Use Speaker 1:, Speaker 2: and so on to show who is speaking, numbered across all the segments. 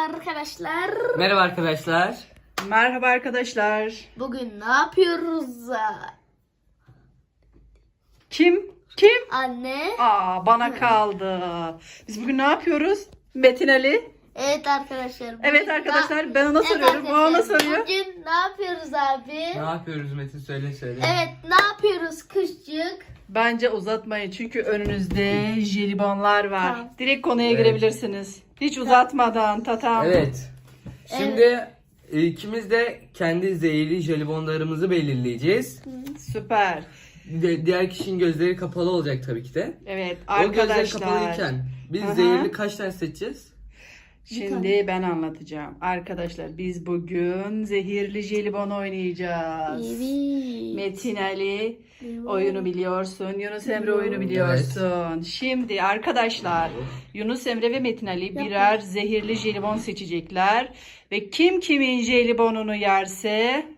Speaker 1: arkadaşlar.
Speaker 2: Merhaba arkadaşlar.
Speaker 3: Merhaba arkadaşlar.
Speaker 1: Bugün ne yapıyoruz?
Speaker 3: Kim?
Speaker 1: Anne.
Speaker 3: Bana kaldı. Biz bugün ne yapıyoruz? Metin Ali.
Speaker 1: Evet arkadaşlar.
Speaker 3: Evet arkadaşlar, ben ona soruyorum, o ona soruyor.
Speaker 1: Bugün ne yapıyoruz abi?
Speaker 2: Ne yapıyoruz Metin, söyle.
Speaker 1: Evet, ne yapıyoruz kışcık?
Speaker 3: Bence uzatmayın çünkü önünüzde jelibonlar var.
Speaker 1: Tamam.
Speaker 3: Direkt konuya
Speaker 2: Evet.
Speaker 3: girebilirsiniz. Hiç uzatmadan tatam.
Speaker 2: Evet. Şimdi ikimiz de kendi zehirli jelibonlarımızı belirleyeceğiz.
Speaker 3: Süper.
Speaker 2: Diğer kişinin gözleri kapalı olacak tabii ki de.
Speaker 3: Evet
Speaker 2: O gözleri
Speaker 3: arkadaşlar.
Speaker 2: kapalıyken biz
Speaker 3: Aha.
Speaker 2: zehirli kaç tane seçeceğiz?
Speaker 3: Şimdi ben anlatacağım. Arkadaşlar biz bugün zehirli jelibon oynayacağız.
Speaker 1: Evet.
Speaker 3: Metin Ali oyunu biliyorsun. Yunus Emre oyunu biliyorsun. Şimdi arkadaşlar Yunus Emre ve Metin Ali birer zehirli jelibon seçecekler. Ve kim kimin jelibonunu yerse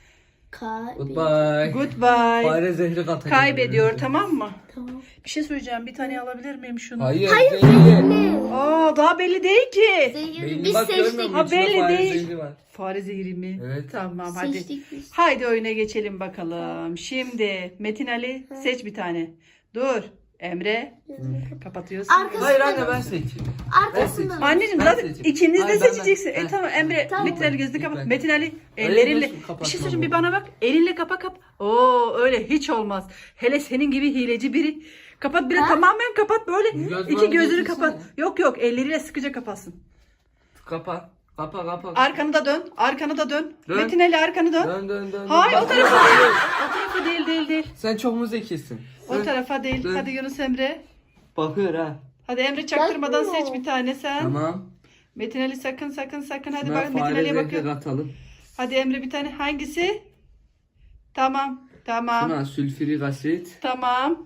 Speaker 2: Goodbye.
Speaker 3: goodbye.
Speaker 2: Fare zehri katacak.
Speaker 3: Kaybediyor, tamam mı?
Speaker 1: Tamam.
Speaker 3: Bir şey söyleyeceğim. Bir tane alabilir miyim şunu?
Speaker 2: Hayır zehirli.
Speaker 3: Daha belli değil ki.
Speaker 1: Zehirli
Speaker 2: Belli,
Speaker 1: biz
Speaker 2: bak, görmüyor
Speaker 1: seçtik.
Speaker 2: musun?
Speaker 3: Ha,
Speaker 2: İçinde
Speaker 3: belli
Speaker 2: fare
Speaker 3: değil.
Speaker 2: zehri var.
Speaker 3: Fare zehri mi?
Speaker 2: Evet.
Speaker 3: Tamam hadi.
Speaker 1: Seçtik biz.
Speaker 3: Haydi oyuna geçelim bakalım. Şimdi Metin Ali seç bir tane. Dur. Emre kapatıyorsun.
Speaker 1: Arkası-
Speaker 2: Hayır anne, ben seçeyim.
Speaker 1: Arkasından.
Speaker 3: Anneciğim
Speaker 2: Ben
Speaker 3: zaten
Speaker 2: seçeyim.
Speaker 3: ikiniz de
Speaker 2: Hayır, ben-
Speaker 3: seçeceksin.
Speaker 2: ben-
Speaker 3: Tamam Emre,
Speaker 1: Tamam.
Speaker 3: Metin Ali gözünü kapat.
Speaker 2: Ben-
Speaker 3: Metin Ali
Speaker 2: Öyle
Speaker 3: ellerinle.
Speaker 2: nasıl
Speaker 3: Bir
Speaker 2: kapatmam
Speaker 3: şey söyleyeyim, bir
Speaker 2: bu?
Speaker 3: bana bak. Elinle kapa. Oo öyle hiç olmaz. Hele senin gibi hileci biri. Kapat bile, tamamen kapat böyle.
Speaker 2: Göz
Speaker 3: İki
Speaker 2: bandı
Speaker 3: gözünü
Speaker 2: getirsene.
Speaker 3: kapat. Yok elleriyle sıkıca kapatsın.
Speaker 2: Kapa.
Speaker 3: Arkanı da dön. Arkanı da dön.
Speaker 2: Dön.
Speaker 3: Metin Ali arkanı dön.
Speaker 2: Dön.
Speaker 3: Hayır,
Speaker 2: Bak,
Speaker 3: o tarafa değil. O tarafa değil.
Speaker 2: Sen çok mu zekisin?
Speaker 3: O tarafa değil.
Speaker 2: Dön.
Speaker 3: Hadi Yunus Emre.
Speaker 2: Bakıyor ha.
Speaker 3: Hadi Emre çaktırmadan
Speaker 1: Bakmıyor.
Speaker 3: seç bir tane sen.
Speaker 2: Tamam.
Speaker 3: Metin Ali sakın. Hadi
Speaker 2: Şuna
Speaker 3: bak, Metin
Speaker 2: fare
Speaker 3: Ali'ye
Speaker 2: zehri
Speaker 3: bakıyor.
Speaker 2: katalım.
Speaker 3: Hadi Emre bir tane. Hangisi? Tamam.
Speaker 2: Şuna sülfürik asit.
Speaker 3: Tamam.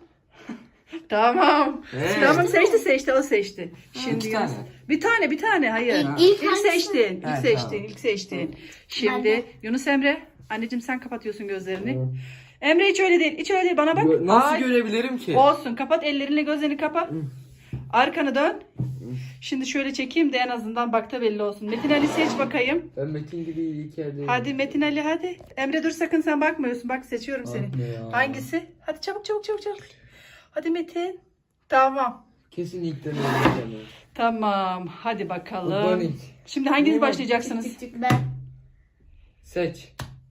Speaker 3: Tamam.
Speaker 2: Evet.
Speaker 3: Tamam, seçti. O seçti. Şimdi
Speaker 2: İki
Speaker 3: Yunus.
Speaker 2: tane.
Speaker 3: Bir tane. Hayır.
Speaker 1: İlk
Speaker 3: İlk
Speaker 1: hangisi?
Speaker 3: seçtin.
Speaker 2: Evet, tamam.
Speaker 3: İlk seçtin. Şimdi
Speaker 1: Ben de.
Speaker 3: Yunus Emre. Anneciğim sen kapatıyorsun gözlerini. Emre hiç öyle değil. Bana bak.
Speaker 2: Nasıl
Speaker 3: Ay.
Speaker 2: görebilirim ki?
Speaker 3: Olsun, kapat ellerinle, gözlerini kapa. Arkanı dön. Şimdi şöyle çekeyim de en azından bakta belli olsun. Metin Ali seç bakayım.
Speaker 2: Ben Metin gibi ilk yerdeyim.
Speaker 3: Hadi Metin Ali hadi. Emre dur, sakın sen bakmıyorsun. Bak, seçiyorum seni.
Speaker 2: Ah be ya.
Speaker 3: Hangisi? Hadi çabuk. Hadi Metin. Tamam.
Speaker 2: Kesin ilk deneyeceğim.
Speaker 3: Tamam. Hadi bakalım.
Speaker 2: Organik.
Speaker 3: Şimdi hanginiz
Speaker 2: Ne?
Speaker 3: başlayacaksınız?
Speaker 1: Ben
Speaker 2: Seç.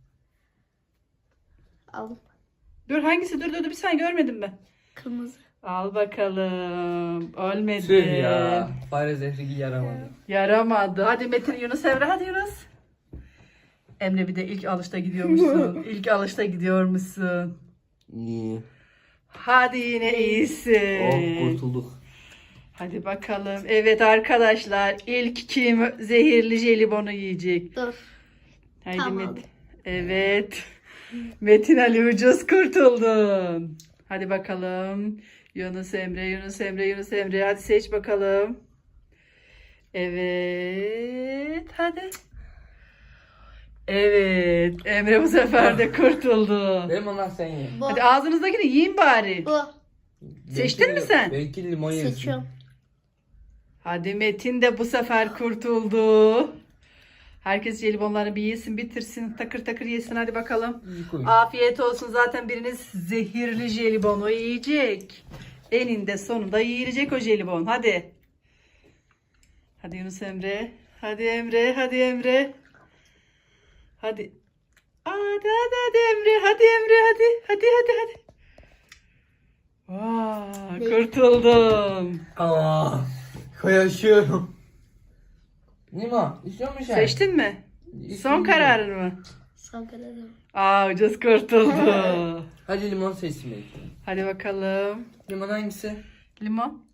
Speaker 1: aldım.
Speaker 3: Dur, hangisi? Dur bir saniye, görmedim ben.
Speaker 1: Kırmızı.
Speaker 3: Al bakalım. Ölmedi.
Speaker 2: Tüh ya. Fare zehri yaramadı.
Speaker 3: Yaramadı. Hadi Metin, Yunus Emre, hadi Yunus. Emre bir de ilk alışta gidiyormuşsun.
Speaker 2: İyi.
Speaker 3: Hadi yine iyisin.
Speaker 2: Oh, kurtulduk.
Speaker 3: Hadi bakalım. Evet arkadaşlar, ilk kim zehirli jelibonu yiyecek?
Speaker 1: Dur.
Speaker 3: Haydi
Speaker 1: Tamam.
Speaker 3: Metin. Evet. Metin Ali, ucuz kurtuldun. Hadi bakalım. Yunus Emre. Hadi seç bakalım. Evet. Hadi. Evet. Emre bu sefer de kurtuldu.
Speaker 2: Benim onlar sen ye.
Speaker 1: Bu.
Speaker 3: Hadi ağzınızdakini yiyin bari.
Speaker 1: Bu.
Speaker 3: Seçtin mi sen?
Speaker 2: Belki limon yesin.
Speaker 1: Seçiyorum.
Speaker 3: Hadi Metin de bu sefer kurtuldu. Herkes jelibonlarını bir yesin, bitirsin. Takır yesin, hadi bakalım.
Speaker 2: İyi koy.
Speaker 3: Afiyet olsun. Zaten biriniz zehirli jelibonu yiyecek. Eninde sonunda yiyilecek o jelibon. Hadi. Hadi Yunus Emre. Hadi Emre. Hadi. Hadi Emre. Hadi. Vaa, kurtuldum.
Speaker 2: Aa, yaşıyorum. Nima, istiyor musun sen?
Speaker 3: Seçtin mi? Son kararın mı? Aa, ucuz kurtuldu.
Speaker 2: Hadi limon seçsin belki.
Speaker 3: Hadi bakalım.
Speaker 2: Limon hangisi?
Speaker 3: Limon.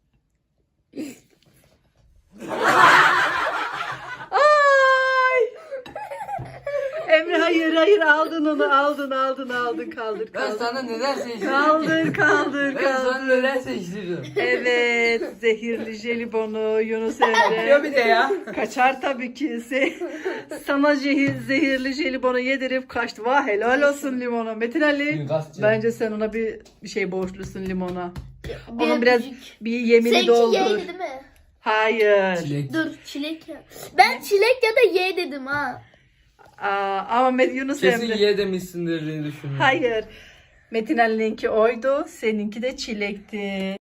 Speaker 3: Ay! Emre hayır, aldın onu, aldın, kaldır.
Speaker 2: Ben sana neden seçtirdim?
Speaker 3: Kaldır.
Speaker 2: Ben sana neden seçtirdim?
Speaker 3: Evet, zehirli jelibonu Yunus
Speaker 2: Yapıyor
Speaker 3: Emre.
Speaker 2: bir de ya.
Speaker 3: Kaçar tabii ki. Sana zehirli jelibonu yedirip kaçtı. Vah, helal olsun limona. Metin Ali,
Speaker 2: Suikastçı.
Speaker 3: bence sen ona bir şey borçlusun, limona.
Speaker 1: Bir
Speaker 3: Onun biraz
Speaker 1: öpücük.
Speaker 3: bir yemini
Speaker 1: Seninki
Speaker 3: doldur.
Speaker 1: yaydı değil mi?
Speaker 3: Hayır.
Speaker 2: Çilek.
Speaker 1: Dur çilek ya. Ben çilek ya da ye dedim ha.
Speaker 3: Ama Yunus
Speaker 2: Kesin
Speaker 3: Emre.
Speaker 2: ye demişsindir diye düşünüyorum.
Speaker 3: Hayır. Metin Ali'ninki oydu. Seninki de çilekti.